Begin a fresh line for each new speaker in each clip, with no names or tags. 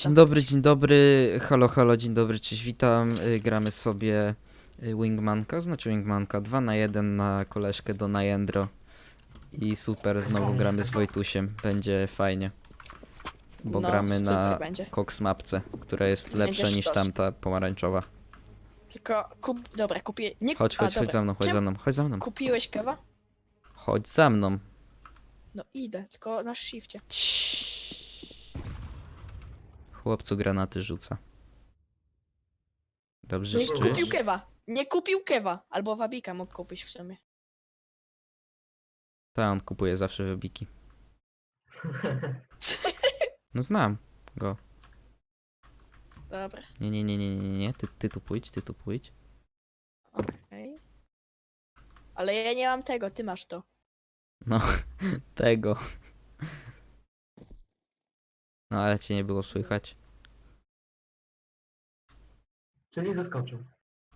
Dzień dobry, halo, halo, dzień dobry, cześć, witam. Gramy sobie Wingmanka, znaczy Wingmanka 2 na 1 na koleżkę do Najendro. I super, znowu gramy z Wojtusiem, będzie fajnie. Bo
No,
gramy
super
na
będzie.
Cox mapce, która jest
Będzie
lepsza niż
sztos.
tamta pomarańczowa.
Tylko dobra, kupię. Nie...
Chodź, chodź, chodź
dobra.
za mną, chodź
Czemu
za mną, chodź za mną.
Kupiłeś kawa?
Chodź za mną.
No idę, tylko na shifcie.
Chłopcu granaty rzuca. Dobrze
Nie kupił
czujesz?
kewa. Nie kupił kewa. Albo wabika mógł kupić w sumie.
Tam kupuję zawsze wybiki. No znam go.
Dobra,
Nie, ty tu pójdź, ty tu pójdź.
okej. Ale ja nie mam tego, ty masz to.
No, tego. No ale cię nie było słychać.
Czyli zaskoczył.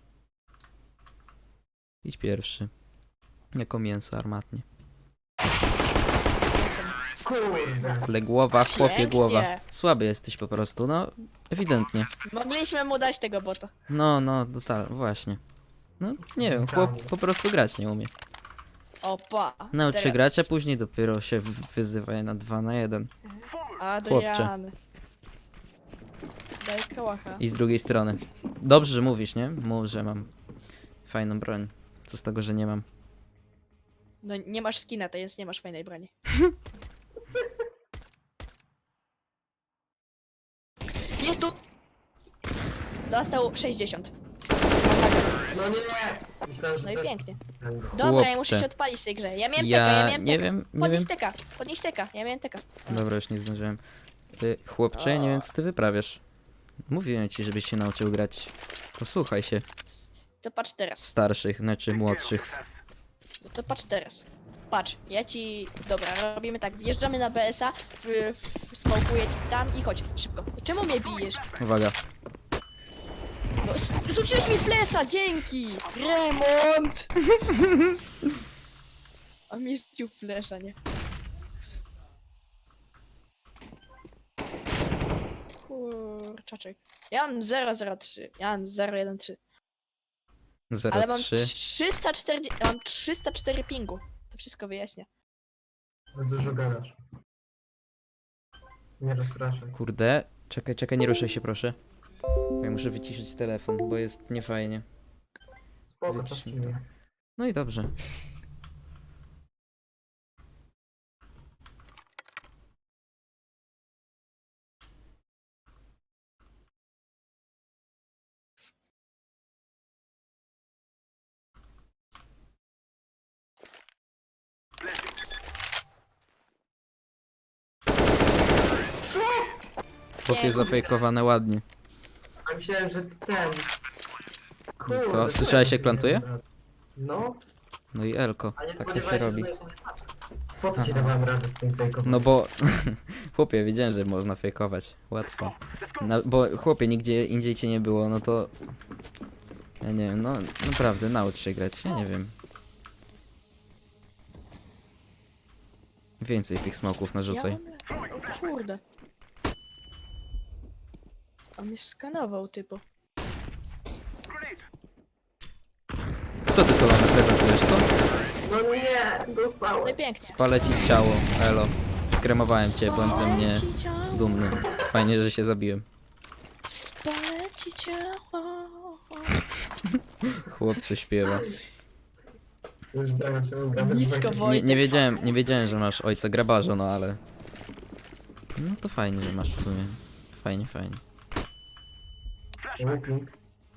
Idź pierwszy. Jako mięso armatnie.
Jestem.
Kurde.
Ale głowa, chłopie,
Pięknie.
głowa. Słaby jesteś po prostu, no ewidentnie.
Mogliśmy mu dać tego bota.
No, właśnie. No, nie wiem, chłop po prostu grać nie umie.
Opa.
Nauczy
teraz.
grać, a później dopiero się wyzywa na 2 na 1.
Adrian. Daj kałacha.
I z drugiej strony. Dobrze, że mówisz, nie? Mów, że mam fajną broń. Co z tego, że nie mam.
No nie masz skina, to jest nie masz fajnej broni. Jest tu! Dostał 60.
No nie! Myślałem, że
No i
też-
pięknie.
Ten-
Dobra, ja muszę
Chłopcze.
się odpalić w tej grze. Ja miałem teka, ja miałem
nie
teka.
wiem, nie wiem.
Podnieś teka, ja miałem teka.
Dobra, już nie zdążyłem. Ty, chłopcze, ja nie wiem co ty wyprawiasz. Mówiłem ci, żebyś się nauczył grać. Posłuchaj się
To patrz teraz.
starszych, znaczy młodszych.
No to patrz teraz. Patrz, ja ci... Dobra, robimy tak. Wjeżdżamy na BS-a, smokuję ci tam i chodź, szybko. Czemu mnie bijesz?
Uwaga.
No, zrzuciłeś mi flesza, dzięki! Remont! A mi zdjął flesza, nie? Kurczaczek. Ja mam 003, ja mam 013. Ale mam
03.
340, ja mam 304 pingu. To wszystko wyjaśnia.
Za dużo gadasz. Nie rozpraszaj.
Kurde. Czekaj, nie ruszaj się proszę. Bo ja muszę wyciszyć telefon, bo jest niefajnie.
Spoko,
Widzisz
czas
mi to.
przyjmie.
No i dobrze. Chłopie zafejkowane ładnie.
A myślałem, że ty ten...
Co? Słyszałeś, jak plantuje?
No,
No i Elko.
a nie
Tak to się
spodziewałeś
robi.
że będziesz na nie patrzeć. Po co ci
Aha.
dawałem radę z tym fejkowaniem?
No bo... Chłopie, wiedziałem, że można fejkować. Łatwo. No, bo chłopie, nigdzie indziej cię nie było, no to... Ja nie wiem, no naprawdę, naucz się grać, ja nie wiem. Więcej tych smoków narzucaj.
O kurde. On mnie skanował, typu.
Co ty Solana prezentujesz, co?
No nie,
No i
dostałem.
pięknie.
Spalę ci ciało, elo. Skremowałem cię, bądź ze mnie
Spalę ci ciało,
dumny. Fajnie, że się zabiłem.
spalę ci ciało.
Chłopcy śpiewa.
Już wiem, czemu gramy z
Blisko
Wojtkiem.
Wojtek.
Nie wiedziałem, że masz ojca grabarza, no ale... No to fajnie, że masz w sumie. Fajnie.
Whipping.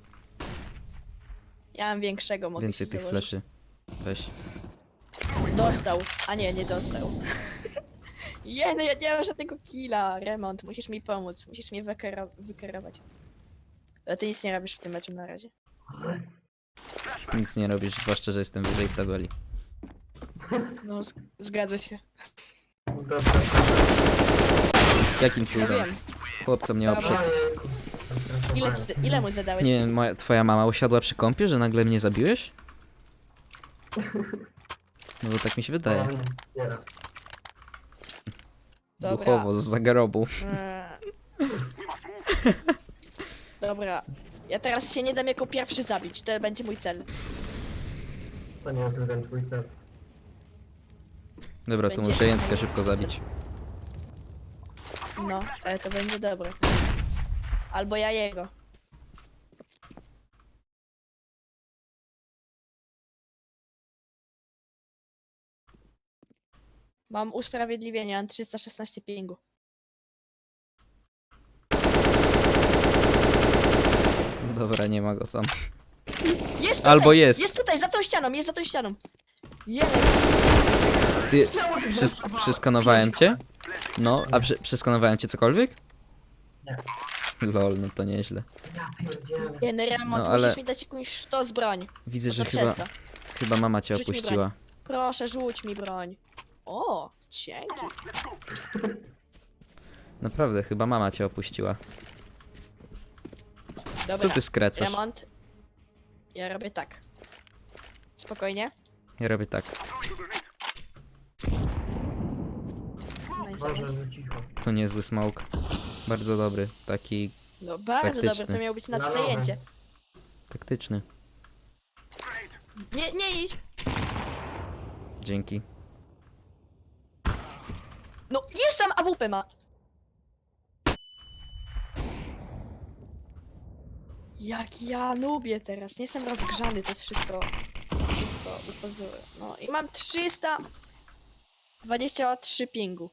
Ja mam większego, mogę
Więcej
ci
tych
założyć.
fleszy. Weź.
Dostał. A nie dostał. No ja nie mam żadnego killa. Remont, musisz mi pomóc. Musisz mnie wykerować. Ale ty nic nie robisz w tym meczu na razie.
Nic nie robisz, zwłaszcza, że jestem wyżej w tabeli.
No, zgadza się.
Dobra.
Jakim
Ja
cudem?
wiem.
Chłopco mnie
Dobra.
oprzedł.
Ojejku. Zestresowałem.
Ile mu zadałeś?
Nie wiem, twoja mama usiadła przy kąpie, że nagle mnie zabiłeś? No bo tak mi się wydaje.
Ona mnie wspiera.
Dobra.
Duchowo, z zagrobu.
Eee, Dobra. Ja teraz się nie dam jako pierwszy zabić. To będzie mój cel.
To nie jest ten twój cel.
Dobra, to
Będzie-
muszę jętkę szybko zabić.
No, ale to będzie dobre. Albo ja jego. Mam usprawiedliwienie, mam 316 pingu.
Dobra, nie ma go tam.
Jest tutaj!
Albo jest.
Jest tutaj, za tą ścianą, jest za tą ścianą. Jest!
Ty, przeskanowałem cię? No, a przeskanowałem cię cokolwiek?
Nie.
Lol, no to nieźle.
Ja pierdzielę.
Jeden remont,
No, ale-
musisz mi dać jakąś sztos broń.
Widzę,
No
że
to
chyba,
przez to.
chyba mama cię
Rzuć mi
opuściła.
Proszę, rzuć mi broń. O, dzięki.
Naprawdę, chyba mama cię opuściła.
Dobra,
Co ty skrecasz?
remont. Ja robię tak. Spokojnie.
Ja robię tak.
Nice.
Boże, że cicho.
To niezły smoke. Bardzo dobry, taki
No bardzo
taktyczny.
dobre, to miało być
Na
nad
nowe.
zajęcie.
taktyczny.
Nie idź!
Dzięki.
No jest tam AWP ma! Jak ja lubię teraz, nie jestem rozgrzany, to jest wszystko do pozoru. No i mam 323 pingu.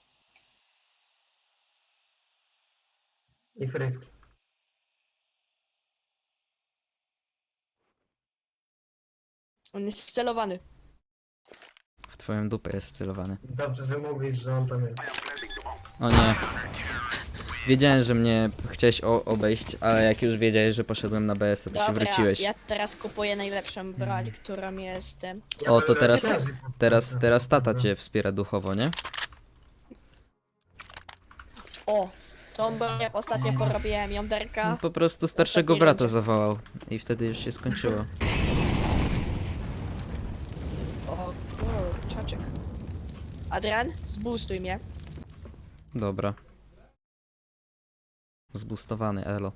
I frytki.
On jest wcelowany.
W twoją dupę jest wcelowany.
Dobrze, że mówisz, że on tam jest.
O nie. Wiedziałem, że mnie chciałeś obejść, ale jak już wiedziałeś, że poszedłem na BS, to się
Dobra,
wróciłeś.
ja teraz kupuję najlepszą broń, którą jest...
Ja
O, to
będę
teraz-
też-
Teraz tata cię wspiera duchowo, nie?
O! Tą broń jak ostatnio porobiłem jąderka.
No, po prostu starszego
Ostatniej
brata
rundzie.
zawołał. I wtedy już się skończyło.
O kurczaczek. Adrian, zboostuj mnie.
Dobra. Zbustowany, elo.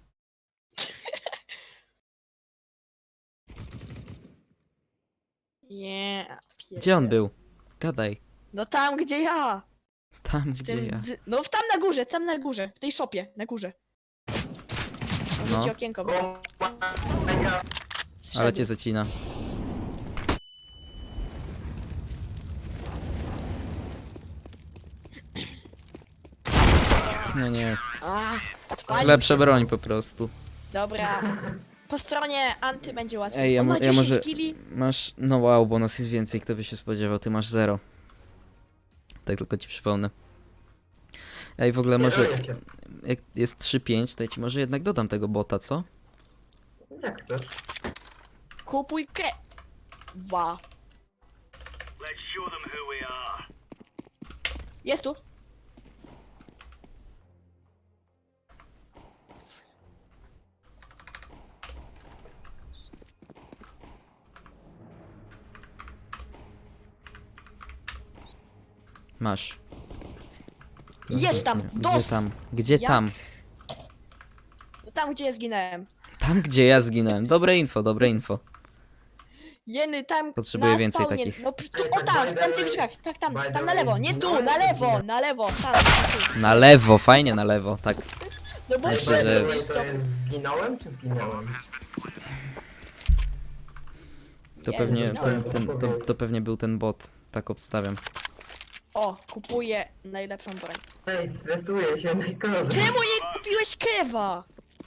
Nie.
Gdzie on był? Gadaj.
No tam gdzie ja.
Tam,
W
gdzie
tym,
ja.
no tam na górze, w tej szopie, na górze.
No.
No. Ci okienko było.
O, my God.
Ale
Zszedł.
cię zacina. No nie.
A, odpalił
Lepsza
się.
broń po prostu.
Dobra. Po stronie anty będzie łatwiej.
Ej, ja,
On ma
ja
10
może...
kili.
Masz... No wow, bo nas jest więcej, kto by się spodziewał. Ty masz 0. Tak tylko ci przypomnę. Ej, w ogóle może...
Kieruję cię.
Jak jest 3-5, to ja ci może jednak dodam tego bota, co?
Jak chcesz.
Kupuj Wa. Jest tu.
Masz.
Jest tam,
Gdzie
dos!
tam? Gdzie
Jak?
tam?
Tam gdzie ja zginąłem.
Tam, gdzie ja zginąłem. Dobre info, dobre info.
Jeny tam.
Potrzebuję
na
więcej
spawnie.
takich.
No, tu,
Ej,
o
tak
tam,
by
w
the
tamtych
way-
drzwiach. Tak, tam,
by the
tam na
way
lewo. Nie tu,
zginąłem,
na lewo,
zginąłem.
na lewo. Tam, tu.
Na lewo, fajnie na lewo, tak.
No bo
Myślę,
By the
że-
way,
jest
to jest zginąłem czy zginąłem?
To
Nie,
pewnie,
zginąłem.
to pewnie był ten bot. Tak obstawiam.
O, kupuję najlepszą broń.
Ej, stresuję się najgorzej.
Czemu nie kupiłeś kewa?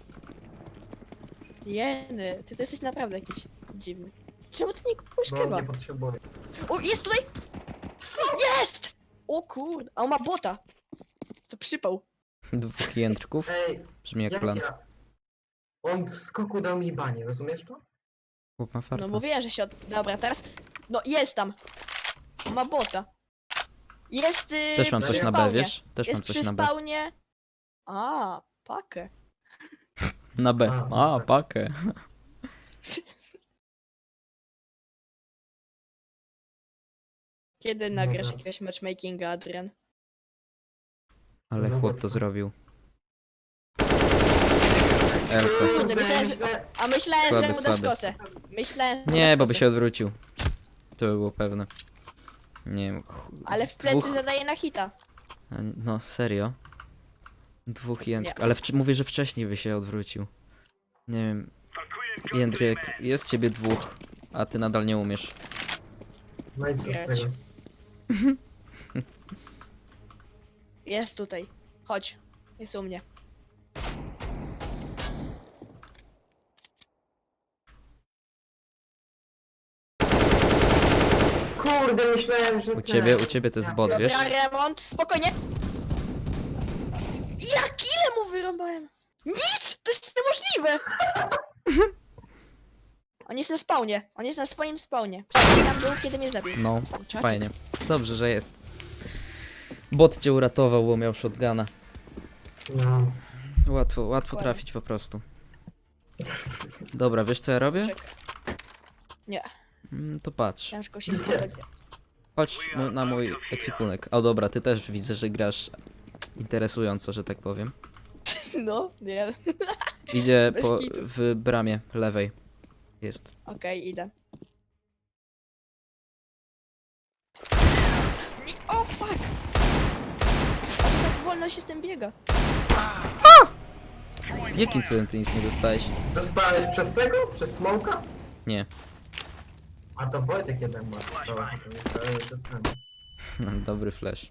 Jeny, ty to jesteś naprawdę jakiś dziwny. Czemu ty nie kupiłeś
Bo
kewa?
nie potrzebuję.
O, jest tutaj! Jest! O kurde, a on ma bota. To przypał.
2 jędrków.
Ej,
Brzmi jak
jak
plan.
ja... On w skoku dał mi banie, rozumiesz to?
Chłop ma farta.
No mówiłem, że się Dobra, teraz... No, jest tam. On ma bota. Jest
Też mam
przy
coś na B,
spawnie.
wiesz? Też mam
Jest
coś
przy
na B.
spawnie. A, pakę.
Na B. A, pakę.
Kiedy nagrasz
Dobra.
jakiegoś matchmakinga, Adrian?
Ale
długo
chłop to
trwa.
zrobił. Elko.
Kurde, myślałem, że... A myślałem,
Słaby,
że mu dasz
słaby.
kosę. Myślałem, że
Nie,
dasz
bo by
kosę.
się odwrócił. To by było pewne. Nie wiem.
Ale w plecy
dwóch...
zadaje na hita.
No, serio? Dwóch jędrek.
Nie.
Ale mówię, że wcześniej by się odwrócił. Nie wiem. Jędrek, jest ciebie dwóch, a ty nadal nie umiesz.
No i co z
Grać.
tego?
Jest tutaj. Chodź. Jest u mnie.
Kurde, myślałem, że
U ciebie to jest bot, wiesz?
Dobra, remont. Spokojnie. Jak ile mu wyrąbałem? Nic! To jest niemożliwe! On jest na spawnie. On jest na swoim spawnie. Tam był, kiedy mnie zabił.
No,
Kurczaczek.
fajnie. Dobrze, że jest. Bot cię uratował, bo miał shotguna.
No.
Łatwo
Dokładnie.
trafić po prostu. Dobra, wiesz co ja robię?
Czekaj. Nie,
To patrz.
ciężko się spodziewać.
Chodź na mój ekwipunek. O dobra, ty też widzę, że grasz interesująco, że tak powiem.
No, nie.
Idzie
Bez kitu.
w bramie lewej. Jest.
Okej, idę. O, fuck! A to tak wolno się z tym biega.
Z jakim cudem ty nic nie dostałeś?
Dostałeś przez tego? Przez smoka?
Nie.
A to Wojtek jeden ma strzała. To ten.
Dobry flash.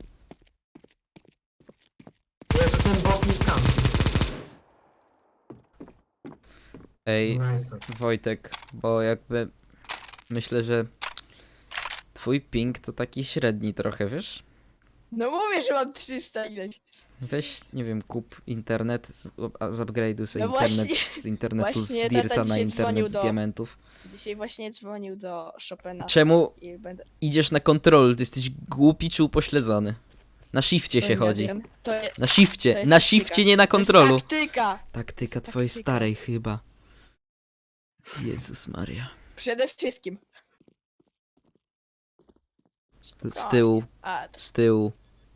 Jeszcze ten bot mi tam.
Ej,
Nice.
Wojtek, bo jakby myślę, że twój ping to taki średni trochę, wiesz?
No mówię, że mam 300 ileś.
Weź, nie wiem, kup internet, zupgrade'uj sobie
No
internet
właśnie-
z internetu z
właśnie
Dirta
tata
na
dzisiaj dzwonił
internet z
do-
diamentów.
Dzisiaj właśnie dzwonił do Chopina
Czemu
i będę...
idziesz na kontrol? Ty jesteś głupi czy upośledzony? Na shifcie się chodzi.
To jest
Na
To
shifcie,
jest
na
taktyka.
shifcie, nie na kontrolu.
taktyka!
Taktyka twojej
taktyka.
starej chyba. Jezus Maria.
Przede wszystkim.
Z tyłu,
A,
z tyłu.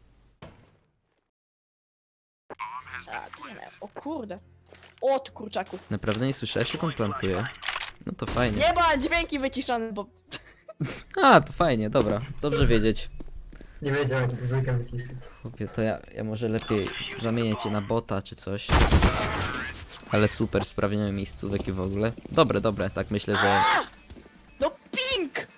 to nie miałem. O kurde. O, ty kurczaku.
Naprawdę nie słyszałeś, jak on plantuje? No to fajnie.
Nie ma dźwięki wyciszone, bo...
A, to fajnie, dobra. Dobrze wiedzieć.
Nie wiedział jak muzykę wyciszyć.
Chłopie, to ja może lepiej zamienię cię na bota czy coś. Ale super, sprawniamy miejscówek i w ogóle. Dobre, tak myślę, że
No ping!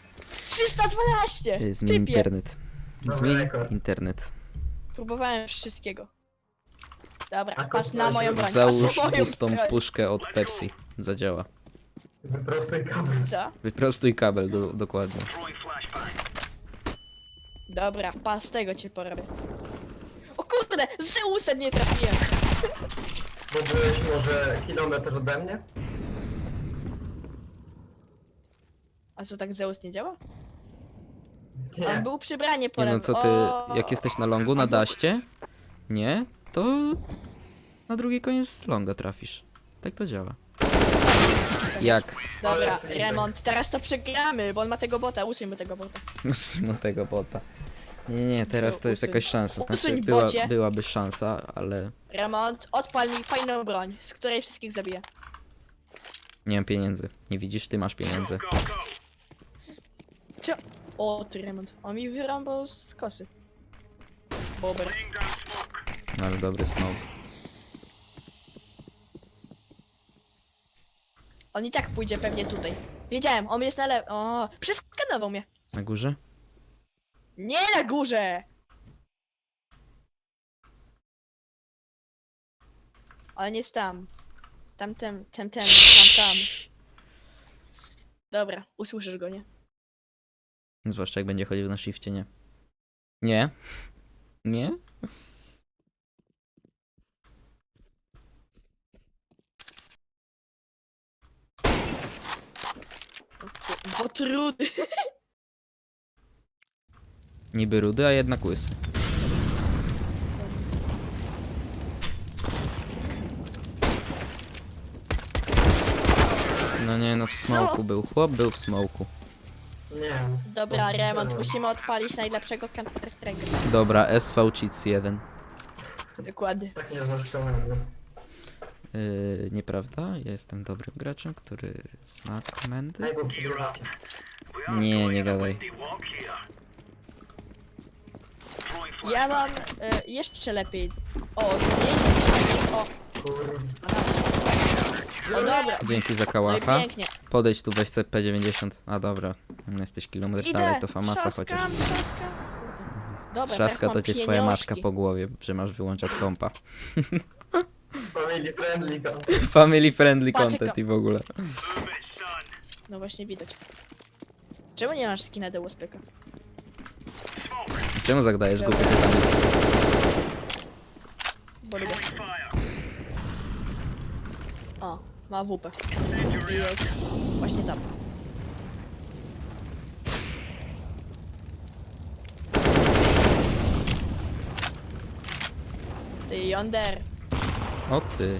312!
zmień
Typie!
internet.
Dobry
Zmień
rekord.
internet.
Próbowałem wszystkiego. Dobra,
A
patrz na
kurwa,
moją broń,
Załóż
patrz na moją
pustą
broń.
puszkę od Pepsi. Zadziała.
Wyprostuj kabel.
Co?
Wyprostuj kabel, dokładnie.
Dobra, pas tego cię porobię. O kurde, Zeusem nie trafiłem.
Bo byłeś może kilometr ode mnie?
A co, tak Zeus nie działa?
Nie.
On był przybranie po
Nie no,
lewo.
co ty,
O,
jak jesteś na longu, na daście? Nie? To na drugi koniec longa trafisz. Tak to działa. Jak?
Dobra,
Ale slipek.
remont, teraz to przegramy, bo on ma tego bota, usuńmy tego bota.
Usuń tego bota. Nie, teraz to jest
Usuń.
jakaś szansa. Znaczy,
Usuń bocie.
byłaby szansa, ale
Remont, odpal mi fajną broń, z której wszystkich zabiję.
nie mam pieniędzy. Nie widzisz? Ty masz pieniądze.
O, ty remont, on mi wyrąbał z kosy. Bober.
No, ale dobry smoke.
On i tak pójdzie pewnie tutaj. Wiedziałem, on jest na lewo. O, przeskanował mnie.
Na górze?
Nie na górze! On jest tam. Tam. Dobra, usłyszysz go, nie?
Zwłaszcza jak będzie chodził na shifcie, nie? Nie? Nie?
Bo trudy.
Niby rudy, a jednak łysy. No nie, no w smoku był. Chłop był w smoku.
Nie.
Dobra,
To
remont,
było.
musimy odpalić najlepszego Counter Strike'a.
Dobra, SV Cheats 1.
Dokładnie.
Tak nie zaczynamy.
Nieprawda? Ja jestem dobrym graczem, który zna komendy.
Daj, bo przegrywacie.
Nie, nie gadaj.
Ja mam jeszcze lepiej. O, zmniejszyć. O,
Kurwa.
12. O, dobra.
Dzięki za
No i
kałacha.
pięknie.
Podejdź tu, weź sobie P90. A dobra, jesteś kilometr dalej,
Idę.
to famasa chociaż.
Trzaskam. Dobra, teraz
Trzaska
mam
to cię twoja
pieniążki.
matka po głowie, że masz wyłączać kompa.
Family friendly go.
Family friendly
Patrz,
content
jaka-
i w ogóle.
No właśnie widać. Czemu nie masz skina do USPK?
Czemu zadajesz głupie pytanie?
Bo lubię. O, ma WP. I jest właśnie tam. Ty yonder.
O ty.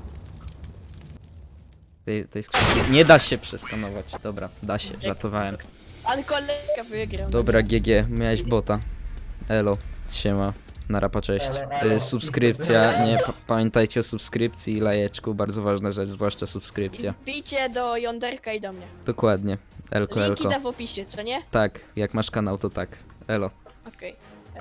Tej skrzynki nie da się przeskanować. Dobra, da się, żartowałem.
Ale kolega wygrał.
Dobra, GG, miałeś bota. Elo, siema. Narapa, cześć.
Elo.
Subskrypcja, nie, pamiętajcie o subskrypcji i lajeczku, bardzo ważna rzecz, zwłaszcza subskrypcja.
Bijcie do yonderka i do mnie.
Dokładnie. Elko,
Linki
elko.
da w opisie, co nie?
Tak, jak masz kanał, to tak. Elo.
Okej.